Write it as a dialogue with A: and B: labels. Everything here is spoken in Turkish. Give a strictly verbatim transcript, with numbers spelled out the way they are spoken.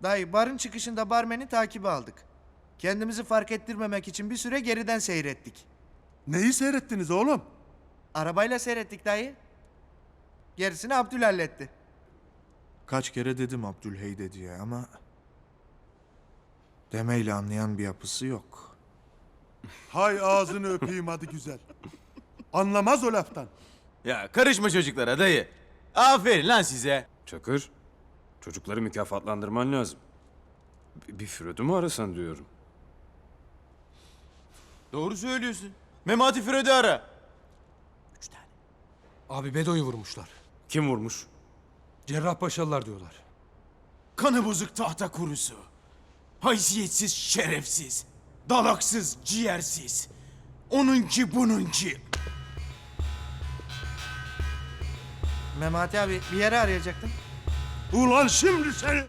A: Dayı barın çıkışında barmeni takibi aldık. Kendimizi fark ettirmemek için bir süre geriden seyrettik.
B: Neyi seyrettiniz oğlum?
A: Arabayla seyrettik dayı. Gerisini Abdül halletti. Kaç kere dedim Abdülheyde diye ama... demeyle anlayan bir yapısı yok.
B: Hay ağzını öpeyim hadi güzel. Anlamaz o laftan.
C: Ya karışma çocuklara dayı. Aferin lan size.
D: Çakır, çocukları mükafatlandırman lazım. Bir, bir Fırat'ı mı arasan diyorum.
C: Doğru söylüyorsun. Memati Fred'i ara. Üç tane.
E: Abi Bedo'yu vurmuşlar.
D: Kim vurmuş?
E: Cerrahpaşalılar diyorlar.
C: Kanı bozuk tahta kurusu. Haysiyetsiz, şerefsiz. Dalaksız, ciğersiz. Onunki bununki.
A: Memati abi bir yere arayacaktın.
B: Ulan şimdi seni...